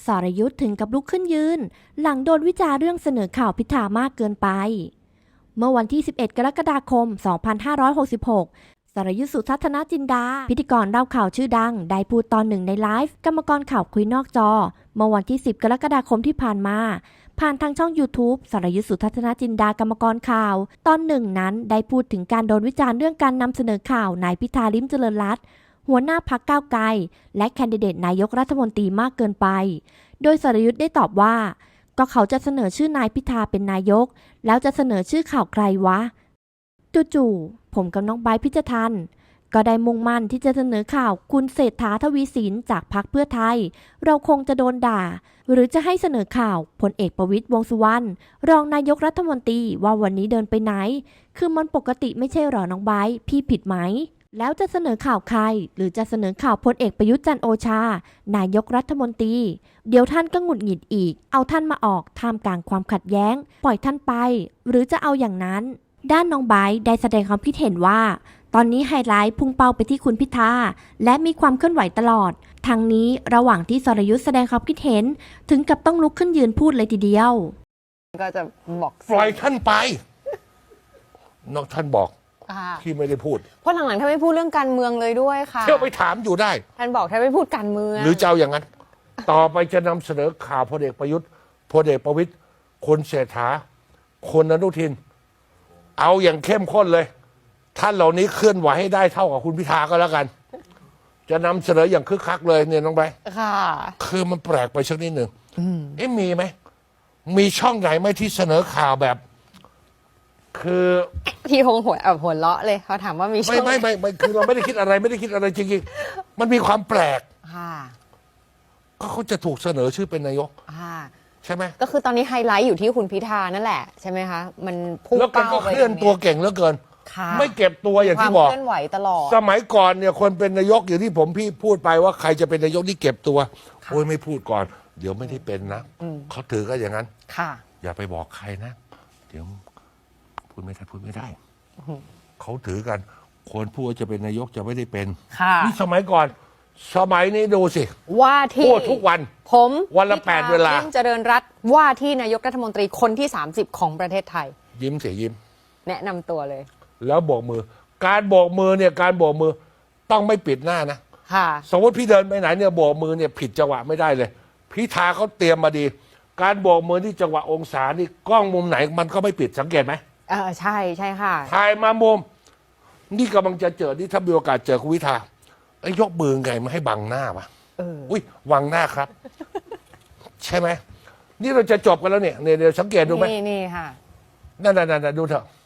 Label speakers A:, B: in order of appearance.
A: สรยุทธถึงกับลุกขึ้นยืนหลังโดนวิจารณ์เรื่องเสนอข่าวพิธามากเกินไปเมื่อวันที่ 11 กรกฎาคม 2566 สรยุทธ สุทัศนจินดาพิธีกรเล่าข่าวชื่อดังได้พูดตอนหนึ่งในไลฟ์กรรมกรข่าวคุยนอกจอเมื่อวันที่ 10 กรกฎาคมที่ผ่านมาผ่านทางช่อง YouTube สรยุทธ สุทัศนจินดากรรมกรข่าวตอนหนึ่งนั้นได้พูดถึงการโดนวิจารณ์เรื่องการนำเสนอข่าวนายพิธา ลิ้มเจริญรัตน์หัวหน้าพรรคก้าวไกลและแคนดิเดตนายกรัฐมนตรีมากเกินไปโดยสรยุทธได้ตอบว่าก็เขาจะเสนอชื่อนายพิธาเป็นนายกแล้วจะเสนอชื่อข่าวใครวะจู่ๆผมกับน้องไบร์ท พิจทันก็ได้มุ่งมั่นที่จะเสนอข่าวคุณเศรษฐา ทวีสินจากพรรคเพื่อไทยเราคงจะโดนด่าหรือจะให้เสนอข่าวพลเอกประวิตร วงษ์สุวรรณรองนายกรัฐมนตรีว่าวันนี้เดินไปไหนคือมันปกติไม่ใช่หรอน้องไบร์ท พี่ผิดไหมแล้วจะเสนอข่าวใครหรือจะเสนอข่าวพลเอกประยุทธ์จันทร์โอชานายกรัฐมนตรีเดี๋ยวท่านก็หงุดหงิดอีกเอาท่านมาออกท่ามกลางความขัดแย้งปล่อยท่านไปหรือจะเอาอย่างนั้นด้านน้องไบร์ทได้แสดงความคิดเห็นว่าตอนนี้ไฮไลท์พุ่งเป้าไปที่คุณพิธาและมีความเคลื่อนไหวตลอดทางนี้ระหว่างที่สรยุทธแสดงความคิดเห็นถึงกับต้องลุกขึ้นยืนพูดเลยทีเดียว
B: ก็จะบอก
C: ปล่อยท่านไปนอกท่านบอกที่ไม่ได้พูด
B: เพราะหลังๆท่านไม่พูดเรื่องการเมืองเลยด้วยค่ะ
C: เที่ยวไปถามอยู่ได้
B: ท่านบอกท่านไม่พูดการเมือง
C: หรือจะเอาอย่างนั้น ต่อไปจะนำเสนอข่าวพลเอกประยุทธ์พลเอกประวิตรคนเศรษฐาคนอนุทินเอาอย่างเข้มข้นเลยท่านเหล่านี้เคลื่อนไหวให้ได้เท่ากับคุณพิธาก็แล้วกันจะนำเสนออย่างคึกคักเลยเนี่ยน้องไบร์ท
B: ค่ะ
C: คือมันแปลกไปสักนิดหนึ่งมีไหมมีช่องไหนไหมที่เสนอข่าวแบบคือ
B: พี่คงหัวเราะเลยเขาถามว่ามีช่อง
C: ไม่คือเราไม่ได้คิดอะไรไม่ได้คิดอะไรจริงๆมันมีความแปลกก็เขาจะถูกเสนอชื่อเป็นนายกใช่ไหม
B: ก็คือตอนนี้ไฮไลท์อยู่ที่คุณพิธานั่นแหละใช่ไหมคะมันพุ่งเป้า
C: แล้วก็เคลื่อนตัวเก่งเหลือเกินไม่เก็บตัวอย่างที่บอก
B: เคลื่อนไหวตลอด
C: สมัยก่อนเนี่ยคนเป็นนายกอย่างที่ผมพี่พูดไปว่าใครจะเป็นนายกนี่เก็บตัวโอ้ยไม่พูดก่อนเดี๋ยวไม่ได้เป็นนะเขาถือก็อย่างนั้นอย่าไปบอกใครนะเดี๋ยวพูดไม่ได้เขาถือกันคนพูดจะเป็นนายกจะไม่ได้เป็นนี่สมัยก่อนสมัยนี้ดูสิ
B: ว่าที่
C: พูดทุกวัน
B: ผม
C: วันละ8 เวลา
B: ยิ้มเจริญรัตน์ว่าที่นายกรัฐมนตรีคนที่30ของประเทศไทย
C: ยิ้มเสียยิ้ม
B: แนะนำตัวเลย
C: แล้วโบกมือการโบกมือเนี่ยการโบกมือต้องไม่ปิดหน้านะสมมติพี่เดินไปไหนเนี่ยโบกมือเนี่ยผิดจังหวะไม่ได้เลยพิธาเขาเตรียมมาดีการโบกมือที่จังหวะองศานี่กล้องมุมไหนมันก็ไม่ปิดสังเกตไหม
B: ใช่ค่ะ
C: ถ่ายมามุมนี่กำลังจะเจอนี่ถ้ามีโอกาสเจอคุณพิธายกมือไงมาให้บังหน้าวะอุ้ยบังหน้าครับใช่ไหมนี่เราจะจบกันแล้วเนี่ยเดี๋ยวสังเกตดูไหม
B: นี่ค่ะ
C: นั่นดูเถอะ